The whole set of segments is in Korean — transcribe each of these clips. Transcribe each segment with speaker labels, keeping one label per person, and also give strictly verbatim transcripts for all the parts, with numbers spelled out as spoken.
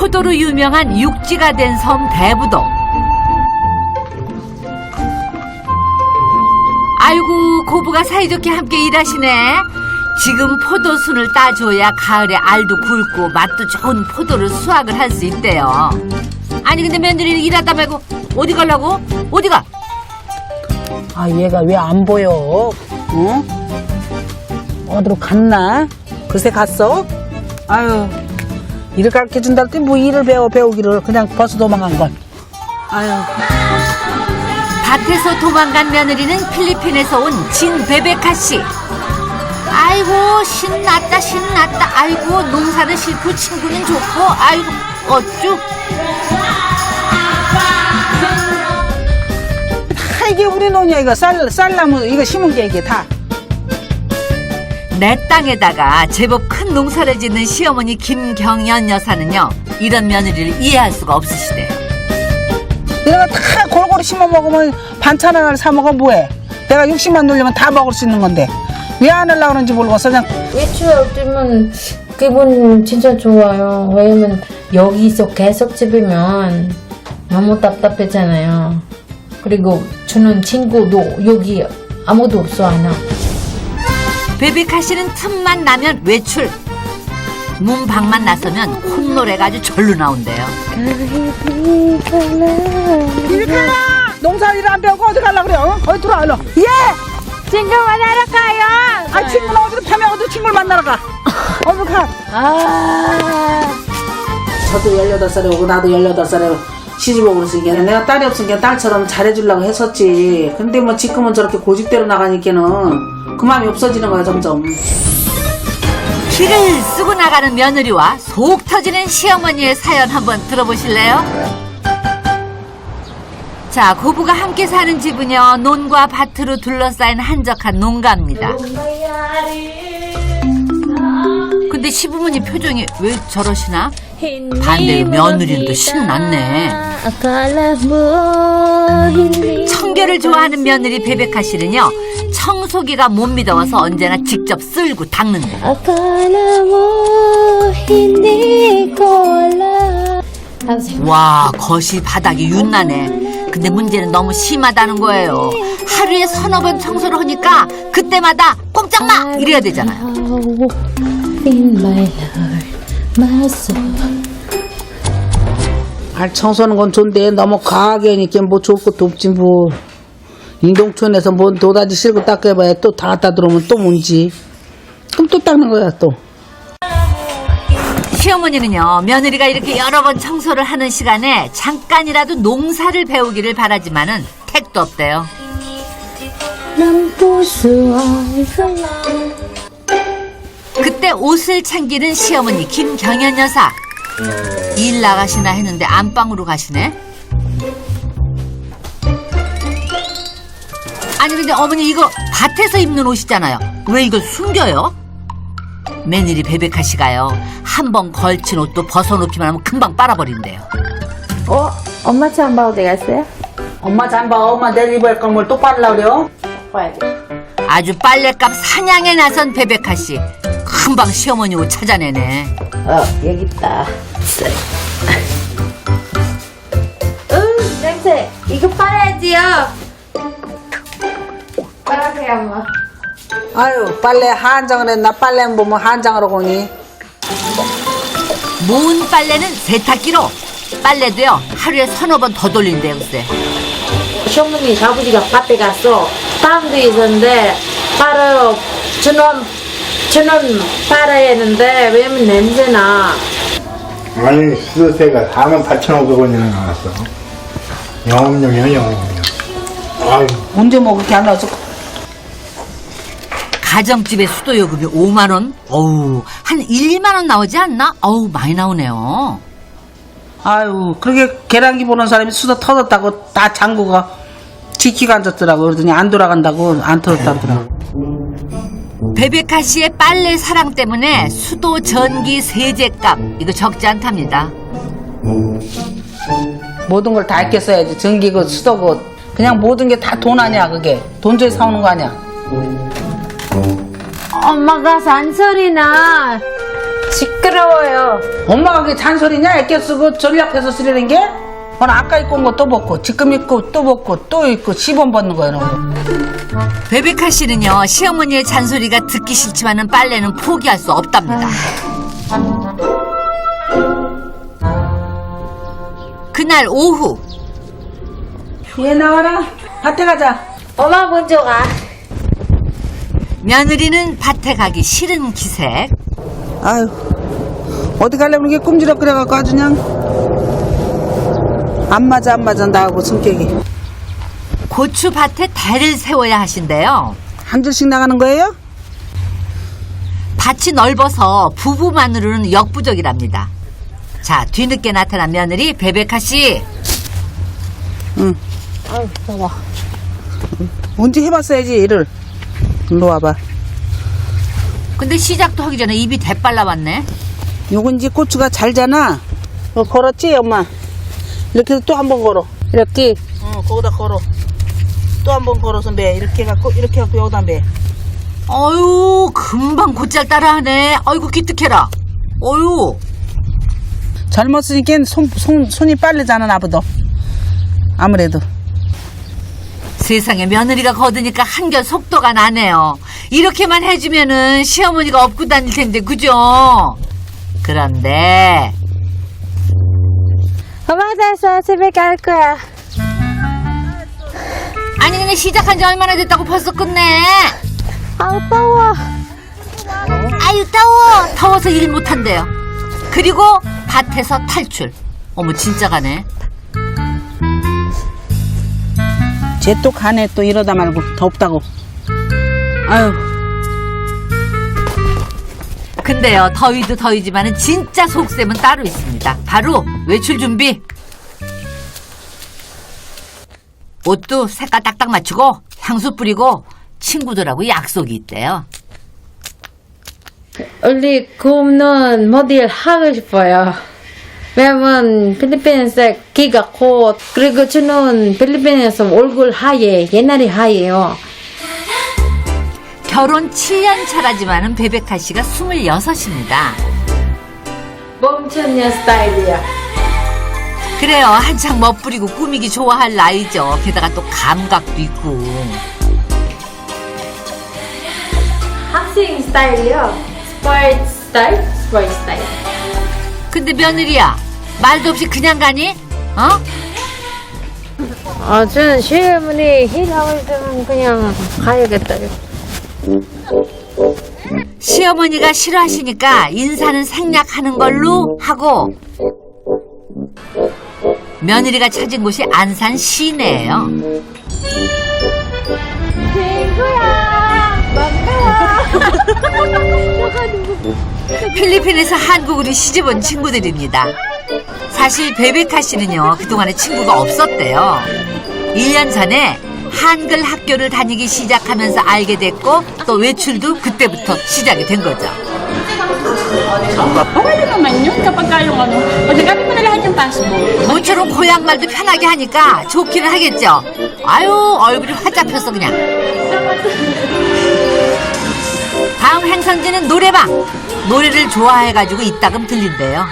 Speaker 1: 포도로 유명한 육지가 된 섬 대부도. 아이고, 고부가 사이좋게 함께 일하시네. 지금 포도순을 따줘야 가을에 알도 굵고 맛도 좋은 포도를 수확을 할 수 있대요. 아니 근데 며느리 일하다 말고 어디 가려고? 어디가?
Speaker 2: 아, 얘가 왜 안 보여? 어? 어디로 갔나? 글쎄 갔어? 아유, 일을 가르쳐 준다 했더니 뭐 일을 배워 배우기를 그냥 벌써 도망간 걸. 아유.
Speaker 1: 밭에서 도망간 며느리는 필리핀에서 온 진베베카 씨. 아이고 신났다 신났다. 아이고 농사는 싫고 친구는 좋고. 아이고 어쭈.
Speaker 2: 다 이게 우리 논이야. 이거 쌀, 쌀나무 이거 심은 게 이게 다.
Speaker 1: 내 땅에다가 제법 큰 농사를 짓는 시어머니 김경연 여사는요, 이런 며느리를 이해할 수가 없으시대요.
Speaker 2: 이런 거 다 골고루 심어 먹으면 반찬 하나를 사 먹어 뭐해? 내가 육십만 놀리면 다 먹을 수 있는 건데 왜 안 하려고 그런지 모르겠어. 그냥
Speaker 3: 외출할 때면 기분 진짜 좋아요. 왜냐면 여기서 계속 집이면 너무 답답했잖아요. 그리고 저는 친구도 여기 아무도 없어 하나.
Speaker 1: 베베카 씨는 틈만 나면 외출. 문 밖만 나서면 콧노래가 아주 절로 나온대요.
Speaker 2: 이렇게 농사 일 안 배우고 어디 가려고 그래? 어? 어디 들어와 일로. 예!
Speaker 3: 친구 만나러 가요.
Speaker 2: 아, 친구는 어디로 패면 어디 친구를 만나러 가. 어디 가.
Speaker 3: 아.
Speaker 2: 저도 열여덟 살에 오고 나도 열여덟 살에 시집 오고 그랬으니까 내가 딸이 없으니까 딸처럼 잘해주려고 했었지. 근데 뭐 지금은 저렇게 고집대로 나가니까는 그 마음이 없어지는 거야 점점.
Speaker 1: 기를 쓰고 나가는 며느리와 속 터지는 시어머니의 사연 한번 들어보실래요? 자, 고부가 함께 사는 집은요, 논과 밭으로 둘러싸인 한적한 농가입니다. 근데 시부모님 표정이 왜 저러시나? 반대로 며느리는 또 신났네. 청결을 좋아하는 며느리 베베카 씨는요, 청소기가 못 믿어서 언제나 직접 쓸고 닦는다. 와, 거실 바닥이 윤나네. 근데 문제는 너무 심하다는 거예요. 하루에 서너 번 청소를 하니까 그때마다 꼼짝마 이래야 되잖아요.
Speaker 2: 발 청소하는 건 좋은데 너무 과하게 하니까 뭐 좋을 것도 없지 뭐. 인동촌에서 뭐 도다지 실고 닦아봐야 또 다 갖다 들어오면 또 뭔지. 그럼 또 닦는 거야 또.
Speaker 1: 시어머니는요, 며느리가 이렇게 여러 번 청소를 하는 시간에 잠깐이라도 농사를 배우기를 바라지만은 택도 없대요. 그때 옷을 챙기는 시어머니 김경연 여사. 일 나가시나 했는데 안방으로 가시네. 아니 근데 어머니 이거 밭에서 입는 옷이잖아요. 왜 이걸 숨겨요? 며느리 베베카 씨가요, 한 번 걸친 옷도 벗어놓기만 하면 금방 빨아버린대요.
Speaker 3: 어? 엄마 잠바 어디 갔어요?
Speaker 2: 엄마 잠바 엄마 내일 입을 걸 뭘 또 빨라고 그래요?
Speaker 3: 봐야 돼.
Speaker 1: 아주 빨래값 사냥에 나선 베베카 씨. 금방 시어머니 옷 찾아내네.
Speaker 3: 어, 여기 있다. 응, 냄새. 이거 빨아야지요. 빨아세요, 엄마.
Speaker 2: 아유 빨래 한장을 했나. 빨래는 보면 한장으로 보니.
Speaker 1: 모은 빨래는 세탁기로. 빨래도요 하루에 서너 번 더 돌린대요. 글쎄.
Speaker 3: 시어머니 아버지가 밭에 갔어. 땀도 있었는데 빨아요. 저는 저는 빨아야 했는데 왜냐면 냄새나.
Speaker 4: 아니 수세가 사만 팔천오백 원이나 나왔어. 영업용이야 영업용. 아유.
Speaker 2: 언제 뭐 그렇게 안 나왔어?
Speaker 1: 가정집의 수도요금이 오만 원? 어우, 한 일, 이만 원 나오지 않나? 어우, 많이 나오네요.
Speaker 2: 아유 그렇게 계란기 보는 사람이 수도 터졌다고 다 장구가 지키고 앉았더라고. 그러더니 안 돌아간다고 안 터졌다 그러더라고.
Speaker 1: 베베카 씨의 빨래 사랑 때문에 수도, 전기, 세제값 이거 적지 않답니다.
Speaker 2: 모든 걸 다 아껴 써야지. 전기고 수도고 그냥 모든 게 다 돈 아니야. 그게 돈 줘서 사오는 거 아니야.
Speaker 3: 엄마가 잔소리나. 시끄러워요.
Speaker 2: 엄마가 그게 잔소리냐? 애껴 쓰고 전략해서 쓰려는 게? 오늘 아까 입고 온 거 또 벗고 지금 입고 또 벗고 또 입고 시범 벗는 거야. 너.
Speaker 1: 베베카 씨는요, 시어머니의 잔소리가 듣기 싫지만은 빨래는 포기할 수 없답니다. 그날 오후,
Speaker 2: 얘 나와라. 밭에 가자.
Speaker 3: 엄마 먼저 가.
Speaker 1: 며느리는 밭에 가기 싫은 기색.
Speaker 2: 아유, 어디 가려면 이게 꼼지락 그래갖고 아주 그냥 안 맞아 안 맞아 나하고 성격이.
Speaker 1: 고추밭에 대를 세워야 하신대요.
Speaker 2: 한 줄씩 나가는 거예요?
Speaker 1: 밭이 넓어서 부부만으로는 역부족이랍니다. 자, 뒤늦게 나타난 며느리 베베카 씨.
Speaker 2: 응.
Speaker 3: 아유, 더워.
Speaker 2: 언제 해봤어야지 일을. 일로 와봐.
Speaker 1: 근데 시작도 하기 전에 입이 대빨라 왔네.
Speaker 2: 요건 이제 고추가 잘잖아. 어, 걸었지 엄마? 이렇게 해서 또 한 번 걸어.
Speaker 3: 이렇게.
Speaker 2: 어, 거기다 걸어. 또 한 번 걸어서 매. 이렇게 해갖고 이렇게 해갖고 여기다 매.
Speaker 1: 어유, 금방 곧잘 따라하네. 아이고 기특해라. 어유.
Speaker 2: 젊었으니까 손, 손, 손이 빠르잖아 나보다. 아무래도.
Speaker 1: 세상에 며느리가 거드니까 한결 속도가 나네요. 이렇게만 해주면은 시어머니가 업고 다닐 텐데, 그죠? 그런데
Speaker 3: 엄마 됐어. 집에 갈 거야.
Speaker 1: 아니 근데 시작한 지 얼마나 됐다고 벌써 끝내?
Speaker 3: 아우, 더워.
Speaker 1: 아유 더워. 더워서 일 못한대요. 그리고 밭에서 탈출. 어머 진짜 가네.
Speaker 2: 쟤 또 가네 또 이러다 말고 덥다고. 아유.
Speaker 1: 근데요 더위도 더위지만은 진짜 속셈은 따로 있습니다. 바로 외출 준비. 옷도 색깔 딱딱 맞추고 향수 뿌리고 친구들하고 약속이 있대요.
Speaker 3: 우리 굽는 모델 하고 싶어요. 왜냐면 필리핀에서 기가 곧 그리고 저는 필리핀에서 얼굴 하얘 옛날에 하얘요.
Speaker 1: 결혼 칠 년 차라지만은 베베카 씨가 스물여섯입니다.
Speaker 3: 멈춘 여 스타일이야.
Speaker 1: 그래요. 한창 멋부리고 꾸미기 좋아할 나이죠. 게다가 또 감각도 있고.
Speaker 3: 학생 스타일이요. 스포츠 스타일, 스포츠 스타일.
Speaker 1: 근데 며느리야 말도 없이 그냥 가니? 어?
Speaker 3: 아, 저는 시어머니 일하고 있으면 그냥 가야겠다.
Speaker 1: 시어머니가 싫어하시니까 인사는 생략하는 걸로 하고 며느리가 찾은 곳이 안산 시내예요.
Speaker 3: 친구야, 반가워.
Speaker 1: 필리핀에서 한국으로 시집온 친구들입니다. 사실 베베카 씨는요 그동안에 친구가 없었대요. 일 년 전에 한글 학교를 다니기 시작하면서 알게 됐고 또 외출도 그때부터 시작이 된 거죠.
Speaker 5: Okay lang naman yun kapag kayong ano, pagdagamit mo na lahat yung passport.
Speaker 1: 모처럼 고향말도 편하게 하니까 좋기는 하겠죠. 아유 얼굴이 활 잡혔어 그냥. 다음 행선지는 노래방. 노래를 좋아해가지고 이따금 들린대요.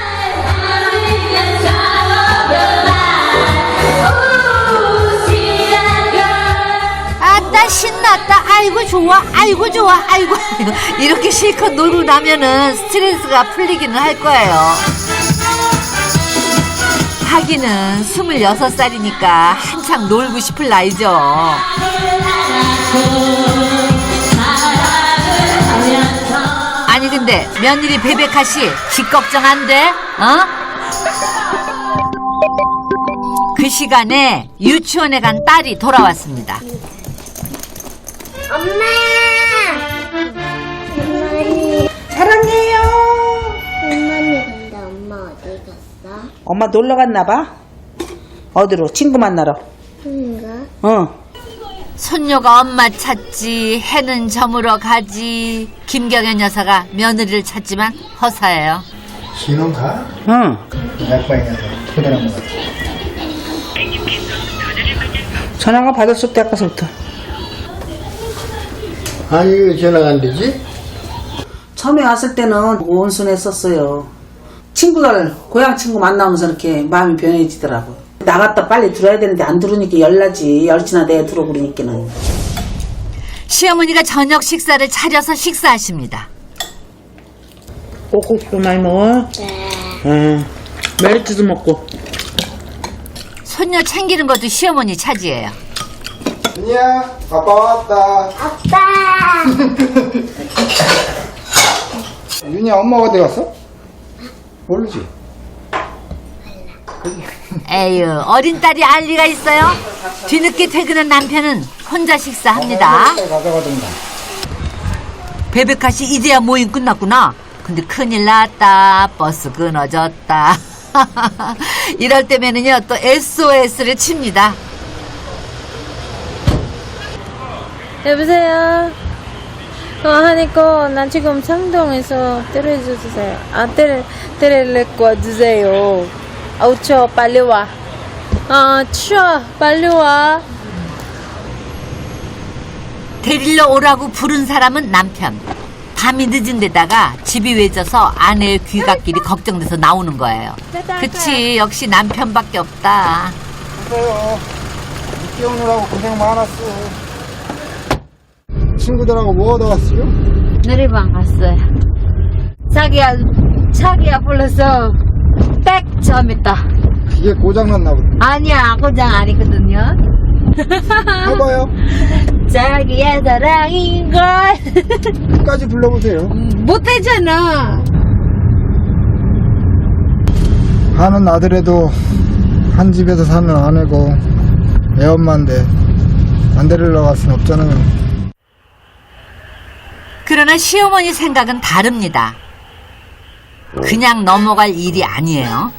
Speaker 1: 아따 신났다. 아이고 좋아. 아이고 좋아. 아이고 이렇게 실컷 놀고 나면은 스트레스가 풀리기는 할 거예요. 하기는 스물여섯 살이니까 한창 놀고 싶을 나이죠. 아니 근데 며느리 베베카 씨 집 걱정 안 돼? 어? 그 시간에 유치원에 간 딸이 돌아왔습니다.
Speaker 6: 엄마! 엄마니.
Speaker 2: 사랑해요.
Speaker 6: 엄마니 근데 엄마 어디 갔어?
Speaker 2: 엄마 놀러 갔나 봐. 어디로? 친구 만나러.
Speaker 6: 그런가?
Speaker 2: 어.
Speaker 1: 손녀가 엄마 찾지 해는 저물어 가지. 김경현 여사가 며느리를 찾지만 허사예요.
Speaker 4: 신혼 가?
Speaker 2: 응.
Speaker 4: 약방에 가서 토달한 것 같아.
Speaker 2: 전화가 받았을 때 아까서부터.
Speaker 4: 아니 왜 전화가 안 되지?
Speaker 2: 처음에 왔을 때는 온순했었어요. 친구들, 고향 친구 만나면서 이렇게 마음이 변해지더라고요. 나갔다 빨리 들어야 되는데 안 들으니까 열나지. 열지나 내야 들어 그러니까는.
Speaker 1: 시어머니가 저녁 식사를 차려서 식사하십니다.
Speaker 2: 꼭꼭 많이 먹어?
Speaker 6: 네.
Speaker 2: 응. 메리트도 먹고.
Speaker 1: 손녀 챙기는 것도 시어머니 차지예요.
Speaker 4: 윤희야, 아빠 왔다.
Speaker 6: 아빠!
Speaker 4: 윤희야, 엄마 어디 갔어? 모르지?
Speaker 1: 에휴, 어린 딸이 알 리가 있어요? 뒤늦게 퇴근한 남편은 혼자 식사합니다.
Speaker 4: 가져가던가.
Speaker 1: 베베카 씨 이제야 모임 끝났구나. 근데 큰일 났다. 버스 끊어졌다. 이럴 때면은요 또 에스오에스를 칩니다.
Speaker 3: 여보세요. 어, 하니까 난 지금 상동에서 때려주세요. 아, 때려, 때려내고 주세요. 아우, 추워. 빨리 와. 아, 추워. 빨리 와.
Speaker 1: 데리러 오라고 부른 사람은 남편. 밤이 늦은 데다가 집이 외져서 아내의 귀갓길이 걱정돼서 나오는 거예요. 그치, 역시 남편밖에 없다.
Speaker 4: 그래요. 늦게 오느라고 고생 많았어. 친구들하고 뭐 하다 왔어요?
Speaker 3: 노래방 갔어요. 자기야, 자기야 불러서 백 점했다.
Speaker 4: 기계 고장났나 보다.
Speaker 3: 아니야, 고장 아니거든요.
Speaker 4: 해봐요.
Speaker 3: 자기야 사랑인걸.
Speaker 4: 끝까지 불러보세요.
Speaker 3: 못하잖아.
Speaker 4: 하는 아들에도 한 집에서 사는 아내고 애엄마인데 안 데리러 갈 순 없잖아요.
Speaker 1: 그러나 시어머니 생각은 다릅니다. 그냥 넘어갈 일이 아니에요.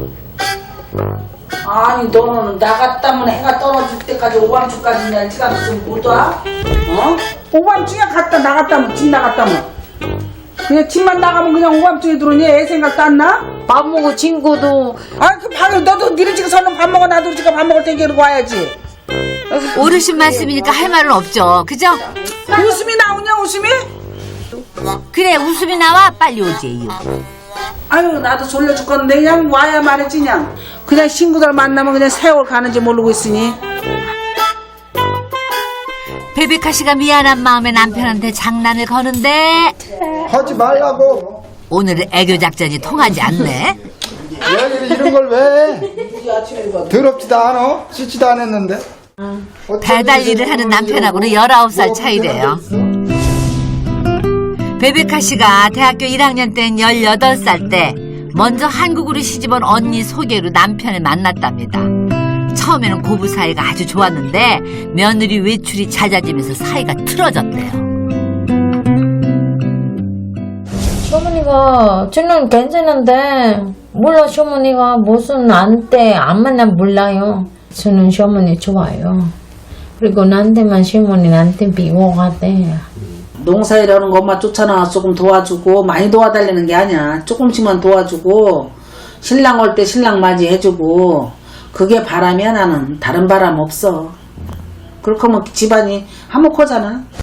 Speaker 2: 아니 너는 나갔다면 해가 떨어질 때까지 오밤중까지 그냥 시간 있으면 못 와? 어? 오밤중에 갔다 나갔다면 집 나갔다면 그냥 집만 나가면 그냥 오밤중에 들어오니 애 생각도 안 나?
Speaker 3: 밥 먹고 친구도
Speaker 2: 아그 밥 너도 니네 집에 서는 밥 먹어 나도 우리 집에 밥 먹을 테니까 이러고 와야지.
Speaker 1: 어르신 말씀이니까 할 말은 없죠. 그죠?
Speaker 2: 웃음이 나오냐 웃음이?
Speaker 1: 그래, 웃음이 나와 빨리 오지.
Speaker 2: 아유 나도 졸려 죽겠는데 그냥 와야 말했지 그냥 그냥 친구들 만나면 그냥 세월 가는지 모르고 있으니.
Speaker 1: 베베카 씨가 미안한 마음에 남편한테 장난을 거는데
Speaker 4: 하지 말라고.
Speaker 1: 오늘은 애교 작전이 통하지 않네.
Speaker 4: 왜 이런 걸 왜? 더럽지도 않아? 씻지도 안 했는데.
Speaker 1: 배달 일을 하는 남편하고는 열아홉 살 차이래요. 베베카 씨가 대학교 일 학년 땐 열여덟 살 때 먼저 한국으로 시집온 언니 소개로 남편을 만났답니다. 처음에는 고부 사이가 아주 좋았는데 며느리 외출이 잦아지면서 사이가 틀어졌대요.
Speaker 3: 시어머니가 저는 괜찮은데 몰라 시어머니가 무슨 안때 안 만나면 몰라요. 저는 시어머니 좋아요. 그리고 나한테만 시어머니 나한테 미워하대.
Speaker 2: 농사일하는 거 엄마 쫓아나와 조금 도와주고 많이 도와달라는 게 아니야. 조금씩만 도와주고 신랑 올 때 신랑 맞이해주고 그게 바람이야 나는. 다른 바람 없어. 그렇게 하면 집안이 화목하잖아.